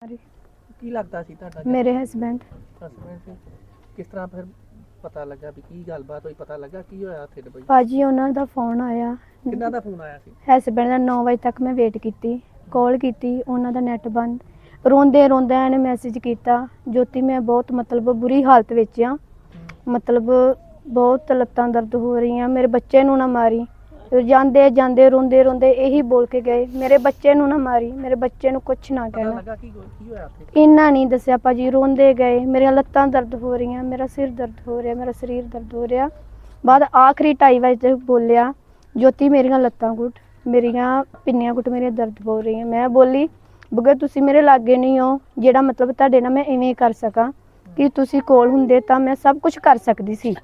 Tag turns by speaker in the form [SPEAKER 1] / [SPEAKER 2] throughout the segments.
[SPEAKER 1] ਕੀ ਲੱਗਦਾ ਸੀ ਤੁਹਾਡਾ?
[SPEAKER 2] ਮੇਰੇ ਹਸਬੈਂਡ
[SPEAKER 1] ਹਸਬੈਂਡ ਕਿਸ ਤਰ੍ਹਾਂ ਫਿਰ ਪਤਾ ਲੱਗਾ ਵੀ ਕੀ ਗੱਲਬਾਤ ਹੋਈ? ਪਤਾ ਲੱਗਾ ਕੀ ਹੋਇਆ ਉੱਥੇ ਦੁਬਈ?
[SPEAKER 2] ਭਾਜੀ ਉਹਨਾਂ ਦਾ ਫੋਨ ਆਇਆ।
[SPEAKER 1] ਕਿੰਨਾ ਦਾ ਫੋਨ ਆਇਆ ਸੀ?
[SPEAKER 2] ਹਸਬੈਂਡ ਦਾ 9 ਵਜੇ ਤੱਕ ਮੈਂ ਵੇਟ ਕੀਤੀ, ਕਾਲ ਕੀਤੀ, ਉਹਨਾਂ ਦਾ ਨੈਟ ਬੰਦ। ਰੋਂਦੇ ਰੋਂਦੇ ਇਹਨੇ ਮੈਸੇਜ ਕੀਤਾ, ਜੋਤੀ ਮੈਂ ਬਹੁਤ ਮਤਲਬ ਬੁਰੀ ਹਾਲਤ ਵਿੱਚ ਆ, ਮਤਲਬ ਬਹੁਤ ਲੱਤਾਂ ਦਰਦ ਹੋ ਰਹੀਆਂ, ਮੇਰੇ ਬੱਚੇ ਨੂੰ ਨਾ ਮਾਰੀ। ਜਾਂਦੇ ਜਾਂਦੇ ਰੋਂਦੇ ਰੋਂਦੇ ਇਹੀ ਬੋਲ ਕੇ ਗਏ, ਮੇਰੇ ਬੱਚੇ ਨੂੰ ਨਾ ਮਾਰੀ, ਮੇਰੇ ਬੱਚੇ ਨੂੰ ਕੁਛ ਨਾ ਕਹਿਣਾ। ਇੰਨਾ ਨਹੀਂ ਦੱਸਿਆ ਭਾਜੀ, ਰੋਂਦੇ ਗਏ, ਮੇਰੀਆਂ ਲੱਤਾਂ ਦਰਦ ਹੋ ਰਹੀਆਂ, ਮੇਰਾ ਸਿਰ ਦਰਦ ਹੋ ਰਿਹਾ, ਮੇਰਾ ਸਰੀਰ ਦਰਦ ਹੋ ਰਿਹਾ। ਬਾਅਦ ਆਖਰੀ 2:30 ਵਜੇ ਬੋਲਿਆ, ਜੋਤੀ ਮੇਰੀਆਂ ਲੱਤਾਂ ਘੁੱਟ, ਮੇਰੀਆਂ ਪਿੰਨੀਆਂ ਘੁੱਟ, ਮੇਰੀਆਂ ਦਰਦ ਹੋ ਰਹੀਆਂ। ਮੈਂ ਬੋਲੀ, ਬਗੈਰ ਤੁਸੀਂ ਮੇਰੇ ਲਾਗੇ ਨਹੀਂ ਹੋ ਜਿਹੜਾ ਮਤਲਬ ਤੁਹਾਡੇ ਨਾਲ ਮੈਂ ਇਵੇਂ ਕਰ ਸਕਾਂ, ਕਿ ਤੁਸੀਂ ਕੋਲ ਹੁੰਦੇ ਤਾਂ ਮੈਂ ਸਭ ਕੁਝ ਕਰ ਸਕਦੀ ਸੀ।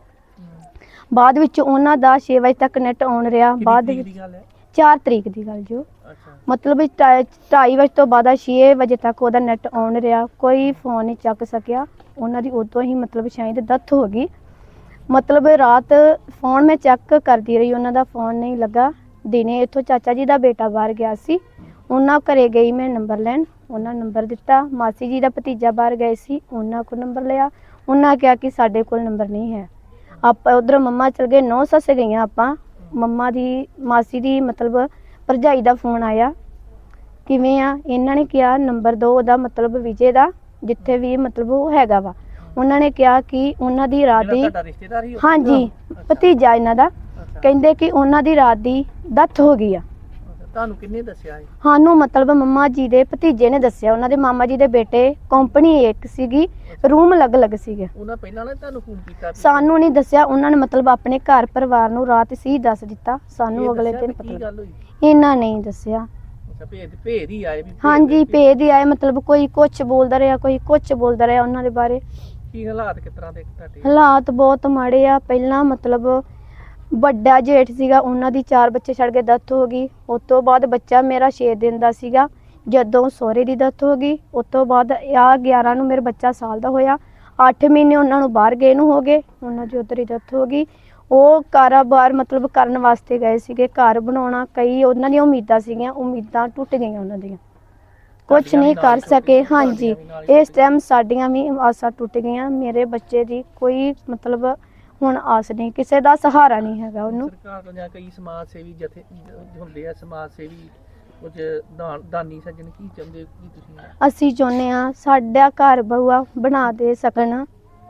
[SPEAKER 2] ਬਾਅਦ ਵਿੱਚ ਉਹਨਾਂ ਦਾ 6 ਵਜੇ ਤੱਕ ਨੈਟ ਆਨ ਰਿਹਾ। ਬਾਅਦ ਵਿੱਚ 4 ਤਰੀਕ ਦੀ ਗੱਲ ਜੋ ਮਤਲਬ 2:30 ਵਜੇ ਤੋਂ ਬਾਅਦ 6 ਵਜੇ ਤੱਕ ਉਹਦਾ ਨੈਟ ਆਨ ਰਿਹਾ, ਕੋਈ ਫੋਨ ਨਹੀਂ ਚੱਕ ਸਕਿਆ। ਉਹਨਾਂ ਦੀ ਉਦੋਂ ਹੀ ਮਤਲਬ ਸ਼ਾਇਦ ਡੈਥ ਹੋ ਗਈ। ਮਤਲਬ ਰਾਤ ਫੋਨ ਮੈਂ ਚੈੱਕ ਕਰਦੀ ਰਹੀ, ਉਹਨਾਂ ਦਾ ਫੋਨ ਨਹੀਂ ਲੱਗਾ। ਦਿਨੇ ਇੱਥੋਂ ਚਾਚਾ ਜੀ ਦਾ ਬੇਟਾ ਬਾਹਰ ਗਿਆ ਸੀ, ਉਹਨਾਂ ਘਰੇ ਗਈ ਮੈਂ ਨੰਬਰ ਲੈਣ, ਉਹਨਾਂ ਨੰਬਰ ਦਿੱਤਾ। ਮਾਸੀ ਜੀ ਦਾ ਭਤੀਜਾ ਬਾਹਰ ਗਏ ਸੀ, ਉਹਨਾਂ ਕੋਲ ਨੰਬਰ ਲਿਆ, ਉਹਨਾਂ ਕਿਹਾ ਕਿ ਸਾਡੇ ਕੋਲ ਨੰਬਰ ਨਹੀਂ ਹੈ। ਆਪਾਂ ਉਧਰ ਮੰਮਾ ਚਲ ਗਏ, 9 ਸੱਸ ਗਈਆਂ ਆਪਾਂ। ਮੰਮਾ ਦੀ ਮਾਸੀ ਦੀ ਮਤਲਬ ਭਰਜਾਈ ਦਾ ਫੋਨ ਆਇਆ, ਕਿਵੇਂ ਆ? ਇਹਨਾਂ ਨੇ ਕਿਹਾ ਨੰਬਰ ਦਿਓ ਉਹਦਾ, ਮਤਲਬ ਵਿਜੇ ਦਾ, ਜਿੱਥੇ ਵੀ ਮਤਲਬ ਉਹ ਹੈਗਾ ਵਾ। ਉਹਨਾਂ ਨੇ ਕਿਹਾ ਕਿ ਉਹਨਾਂ ਦੀ ਰਾਤ ਦੀ, ਹਾਂਜੀ ਭਤੀਜਾ ਇਹਨਾਂ ਦਾ, ਕਹਿੰਦੇ ਕਿ ਉਹਨਾਂ ਦੀ ਰਾਤ ਦੀ ਡੈਥ ਹੋ ਗਈ ਆ।
[SPEAKER 1] ਤੁਹਾਨੂੰ ਕਿੰਨੇ ਦੱਸਿਆ?
[SPEAKER 2] ਸਾਨੂੰ ਮਤਲਬ ਮੰਮਾ ਜੀ ਦੇ ਭਤੀਜੇ ਨੇ ਦੱਸਿਆ, ਉਹਨਾਂ ਦੇ ਮਾਮਾ ਜੀ ਦੇ ਬੇਟੇ, ਕੰਪਨੀ ਇੱਕ ਸੀਗੀ, ਰੂਮ ਅਲੱਗ-ਅਲੱਗ ਸੀਗੇ।
[SPEAKER 1] ਉਹਨਾਂ ਪਹਿਲਾਂ ਨੇ ਤੁਹਾਨੂੰ ਫੋਨ ਕੀਤਾ?
[SPEAKER 2] ਸਾਨੂੰ ਨਹੀਂ ਦੱਸਿਆ, ਉਹਨਾਂ ਨੇ ਮਤਲਬ ਆਪਣੇ ਘਰ ਪਰਿਵਾਰ ਨੂੰ ਰਾਤ ਸੀ ਦੱਸ ਦਿੱਤਾ, ਸਾਨੂੰ ਅਗਲੇ ਦਿਨ ਪਤਾ। ਇਹਨਾਂ ਨਹੀਂ ਦੱਸਿਆ।
[SPEAKER 1] ਭੇਦ ਹੀ ਆਏ?
[SPEAKER 2] ਹਾਂਜੀ ਭੇਦ ਹੀ ਆਏ, ਮਤਲਬ ਕੋਈ ਕੁਛ ਬੋਲਦਾ ਰਿਹਾ, ਕੋਈ ਕੁਛ ਬੋਲਦਾ ਰਿਹਾ ਉਹਨਾਂ ਦੇ ਬਾਰੇ।
[SPEAKER 1] ਕੀ ਹਾਲਾਤ ਕਿਸ ਤਰ੍ਹਾਂ ਦੇ ਤੁਹਾਡੇ?
[SPEAKER 2] ਹਾਲਾਤ ਬਹੁਤ ਮਾੜੇ ਆ। ਪਹਿਲਾਂ ਮਤਲਬ ਵੱਡਾ ਜੇਠ ਸੀਗਾ, ਉਹਨਾਂ ਦੀ 4 ਬੱਚੇ ਛੱਡ ਕੇ ਡੈਥ ਹੋ ਗਈ। ਉਸ ਤੋਂ ਬਾਅਦ ਬੱਚਾ ਮੇਰਾ 6 ਦਿਨ ਦਾ ਸੀਗਾ ਜਦੋਂ ਸਹੁਰੇ ਦੀ ਡੈਥ ਹੋ ਗਈ। ਉਸ ਤੋਂ ਬਾਅਦ ਆ 11 ਨੂੰ ਮੇਰਾ ਬੱਚਾ ਸਾਲ ਦਾ ਹੋਇਆ। 8 ਮਹੀਨੇ ਉਹਨਾਂ ਨੂੰ ਬਾਹਰ ਗਏ ਨੂੰ ਹੋ ਗਏ, ਉਹਨਾਂ ਦੀ ਉੱਧਰ ਹੀ ਡੈਥ ਹੋ ਗਈ। ਉਹ ਕਾਰੋਬਾਰ ਮਤਲਬ ਕਰਨ ਵਾਸਤੇ ਗਏ ਸੀਗੇ, ਘਰ ਬਣਾਉਣਾ, ਕਈ ਉਹਨਾਂ ਦੀਆਂ ਉਮੀਦਾਂ ਸੀਗੀਆਂ, ਉਮੀਦਾਂ ਟੁੱਟ ਗਈਆਂ ਉਹਨਾਂ ਦੀਆਂ, ਕੁਛ ਨਹੀਂ ਕਰ ਸਕੇ। ਹਾਂਜੀ ਇਸ ਟਾਈਮ ਸਾਡੀਆਂ ਵੀ ਆਸਾਂ ਟੁੱਟ ਗਈਆਂ। ਮੇਰੇ ਬੱਚੇ ਦੀ ਕੋਈ ਮਤਲਬ ਹੁਣ ਆਸ ਨਹੀਂ, ਕਿਸੇ ਦਾ ਸਹਾਰਾ ਨਹੀਂ ਹੈਗਾ ਉਹਨੂੰ।
[SPEAKER 1] ਸਰਕਾਰ ਤੋਂ ਜਾਂ ਕਈ ਸਮਾਜ ਸੇਵੀ ਜਥੇ ਹੁੰਦੇ ਆ, ਸਮਾਜ ਸੇਵੀ ਕੁਝ ਦਾਨੀ ਸੱਜਣ, ਕੀ ਚਾਹੁੰਦੇ ਕੀ ਤੁਸੀਂ?
[SPEAKER 2] ਅਸੀਂ ਚਾਹੁੰਦੇ ਹਾਂ ਸਾਡਾ ਘਰ ਬਹੂਆ ਬਣਾ ਦੇ ਸਕਣ।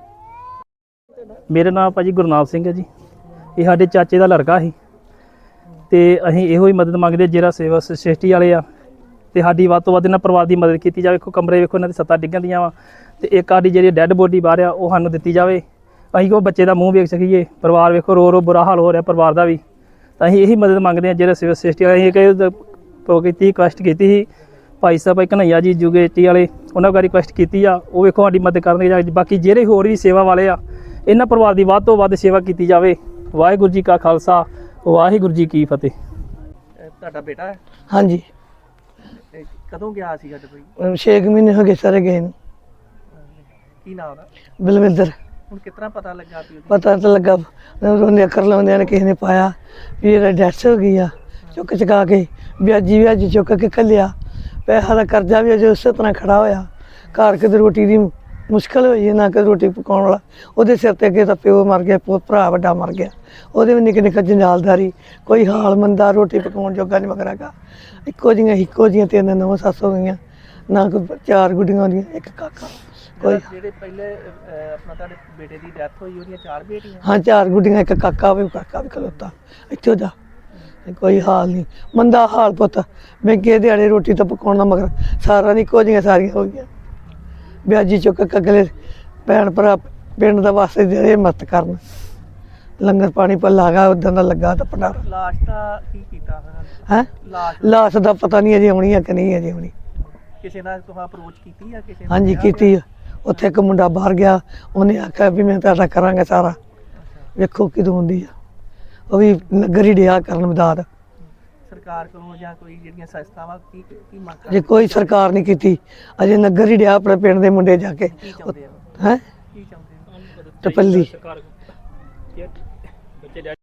[SPEAKER 3] ਮੇਰਾ ਨਾਮ ਭਾਜੀ ਗੁਰਨਾਮ ਸਿੰਘ ਹੈ ਜੀ। ਇਹ ਸਾਡੇ ਚਾਚੇ ਦਾ ਲੜਕਾ ਸੀ ਤੇ ਅਸੀਂ ਇਹੋ ਹੀ ਮਦਦ ਮੰਗਦੇ, ਜਿਹੜਾ ਸੇਵਾ ਸੋਸਾਇਟੀ ਵਾਲੇ ਆ, ਤੇ ਸਾਡੀ ਵੱਧ ਤੋਂ ਵੱਧ ਇਹਨਾਂ ਪਰਿਵਾਰ ਦੀ ਮਦਦ ਕੀਤੀ ਜਾਵੇ। ਵੇਖੋ ਕਮਰੇ ਵੇਖੋ ਇਹਨਾਂ ਦੀ ਛੱਤਾਂ ਡਿੱਗਣ ਦੀਆਂ ਵਾ, ਤੇ ਇੱਕ ਸਾਡੀ ਜਿਹੜੀ ਡੈੱਡ ਬੋਡੀ ਬਾਹਰ ਆ ਉਹ ਸਾਨੂੰ ਦਿੱਤੀ ਜਾਵੇ, ਅਸੀਂ ਉਹ ਬੱਚੇ ਦਾ ਮੂੰਹ ਵੇਖ ਸਕੀਏ। ਪਰਿਵਾਰ ਵੇਖੋ ਰੋ ਰੋ ਬੁਰਾ ਹਾਲ ਹੋ ਰਿਹਾ ਪਰਿਵਾਰ ਦਾ ਵੀ, ਤਾਂ ਅਸੀਂ ਇਹੀ ਮਦਦ ਮੰਗਦੇ ਹਾਂ। ਜਿਹੜਾ ਸੇਵਾ ਸੋਸਾਇਟੀ ਵਾਲੇ ਕੀਤੀ ਰਿਕੁਐਸਟ ਕੀਤੀ ਸੀ, ਭਾਈ ਸਾਹਿਬ ਕਨ੍ਹਈਆ ਜੀ ਯੂਗੇਟੀ ਵਾਲੇ, ਉਹਨਾਂ ਕੋਲ ਰਿਕੁਐਸਟ ਕੀਤੀ ਆ, ਉਹ ਵੇਖੋ ਸਾਡੀ ਮਦਦ ਕਰਨਗੇ। ਬਾਕੀ ਜਿਹੜੇ ਹੋਰ ਵੀ ਸੇਵਾ ਵਾਲੇ ਆ, ਇਹਨਾਂ ਪਰਿਵਾਰ ਦੀ ਵੱਧ ਤੋਂ ਵੱਧ ਸੇਵਾ ਕੀਤੀ ਜਾਵੇ। ਵਾਹਿਗੁਰੂ ਜੀ ਕਾ ਖਾਲਸਾ, ਵਾਹਿਗੁਰੂ ਜੀ ਕੀ ਫਤਿਹ।
[SPEAKER 1] ਤੁਹਾਡਾ ਬੇਟਾ ਹੈ?
[SPEAKER 4] ਹਾਂਜੀ।
[SPEAKER 1] ਕਦੋਂ ਗਿਆ ਸੀਗਾ ਦੁਬਈ?
[SPEAKER 4] 6 ਮਹੀਨੇ ਹੋ ਗਏ ਸਾਰੇ ਗਏ ਨੂੰ।
[SPEAKER 1] ਕੀ ਨਾਮ ਉਹਦਾ?
[SPEAKER 4] ਬਲਵਿੰਦਰ।
[SPEAKER 1] ਹੁਣ ਕਿਸ ਤਰ੍ਹਾਂ ਪਤਾ ਲੱਗਾ?
[SPEAKER 4] ਪਤਾ ਤਾਂ ਲੱਗਾ, ਉਹਨੇ ਅੱਖਰ ਲਾਉਂਦਿਆਂ ਨੇ ਕਿਸੇ ਨੇ ਪਾਇਆ ਵੀ ਇਹਦਾ ਡੈਥ ਹੋ ਗਈ ਆ। ਚੁੱਕ ਚੁਕਾ ਕੇ ਵਿਆਜੀ ਚੁੱਕ ਕੇ ਘੱਲਿਆ, ਪੈਸਾ ਦਾ ਕਰਜ਼ਾ ਵੀ ਅਜੇ ਉਸੇ ਤਰ੍ਹਾਂ ਖੜਾ ਹੋਇਆ। ਘਰ ਕਿਤੇ ਰੋਟੀ ਦੀ ਮੁਸ਼ਕਿਲ ਹੋਈ ਹੈ, ਨਾ ਕਿ ਰੋਟੀ ਪਕਾਉਣ ਵਾਲਾ। ਉਹਦੇ ਸਿਰ 'ਤੇ ਅੱਗੇ ਤਾਂ ਪਿਓ ਮਰ ਗਿਆ, ਭਰਾ ਵੱਡਾ ਮਰ ਗਿਆ, ਉਹਦੇ ਵੀ ਨਿੱਕੇ ਨਿੱਕੇ ਜੰਜਾਲਦਾਰੀ, ਕੋਈ ਹਾਲ ਮੰਦਾ, ਰੋਟੀ ਪਕਾਉਣ ਜੋਗਾ ਨਹੀਂ ਮਗਰਾਗਾ। ਇੱਕੋ ਜਿਹੀਆਂ 3 9 ਸੱਸ ਹੋ ਗਈਆਂ, ਨਾ ਕੋਈ 4 ਗੁੱਡੀਆਂ ਹੁੰਦੀਆਂ, 1 ਕਾਕਾ। ਕੋਈ
[SPEAKER 1] ਜਿਹੜੇ ਪਹਿਲੇ ਆਪਣਾ ਤੁਹਾਡੇ ਬੇਟੇ ਦੀ ਡੈਥ ਹੋਈ, ਉਹਦੀਆਂ 4 ਬੇਟੀਆਂ?
[SPEAKER 4] ਹਾਂ 4 ਗੁੱਡੀਆਂ, 1 ਕਾਕਾ ਵੀ ਖਲੋਤਾ ਇੱਥੋਂ ਦਾ। ਕੋਈ ਹਾਲ ਨਹੀਂ, ਮੰਦਾ ਹਾਲ ਪੁੱਤ। ਮਹਿੰਗੇ ਦਿਹਾੜੇ ਰੋਟੀ ਤਾਂ ਪਕਾਉਣਾ, ਮਗਰ ਸਾਰਾ ਨਹੀਂ, ਇੱਕੋ ਜਿਹੀਆਂ ਸਾਰੀਆਂ ਹੋ ਗਈਆਂ। ਵਿਆਜੀ ਚੁੱਕ ਕੇ ਅਗਲੇ ਭੈਣ ਭਰਾ ਪਿੰਡ ਦਾ ਵਾਸਤੇ ਜਿਹੜੇ ਮਦਦ ਕਰਨ, ਲੰਗਰ ਪਾਣੀ ਭੱਲਾ ਗਾ ਉਦਾਂ ਦਾ ਲੱਗਾ ਤਾਂ ਭੰਡਾਰਾ।
[SPEAKER 1] ਲਾਸ਼ ਦਾ ਕੀ ਕੀਤਾ
[SPEAKER 4] ਹੈ? ਲਾਸ਼ ਦਾ ਪਤਾ ਨਹੀਂ ਅਜੇ ਆਉਣੀ ਆ ਕਿ ਨਹੀਂ ਅਜੇ ਆਉਣੀ।
[SPEAKER 1] ਕਿਸੇ ਨਾਲ ਤੁਸੀਂ ਅਪਰੋਚ ਕੀਤੀ ਆ ਕਿਸੇ?
[SPEAKER 4] ਹਾਂਜੀ ਕੀਤੀ ਆ। ਉੱਥੇ ਇੱਕ ਮੁੰਡਾ ਬਾਹਰ ਗਿਆ, ਉਹਨੇ ਆਖਿਆ ਵੀ ਮੈਂ ਤੁਹਾਡਾ ਕਰਾਂਗਾ ਸਾਰਾ, ਵੇਖੋ ਕਿਦੋਂ ਹੁੰਦੀ ਆ। ਉਹ ਵੀ ਨਗਰ ਹੀ ਡਿਆ ਕਰਨ ਮਦਦ।
[SPEAKER 1] ਸਰਕਾਰ ਕੋਲੋਂ ਜਾਂ ਕੋਈ ਜਿਹੜੀਆਂ ਸੰਸਥਾਵਾਂ ਕੀ ਮੰਗ?
[SPEAKER 4] ਅਜੇ ਕੋਈ ਸਰਕਾਰ ਨਹੀਂ ਕੀਤੀ, ਅਜੇ ਨਗਰ ਹੀ ਡਿਆ ਆਪਣੇ ਪਿੰਡ ਦੇ ਮੁੰਡੇ ਜਾ ਕੇ। ਹੈ
[SPEAKER 1] ਕੀ ਚਾਹੁੰਦੇ?
[SPEAKER 4] ਟਪੱਲੀ।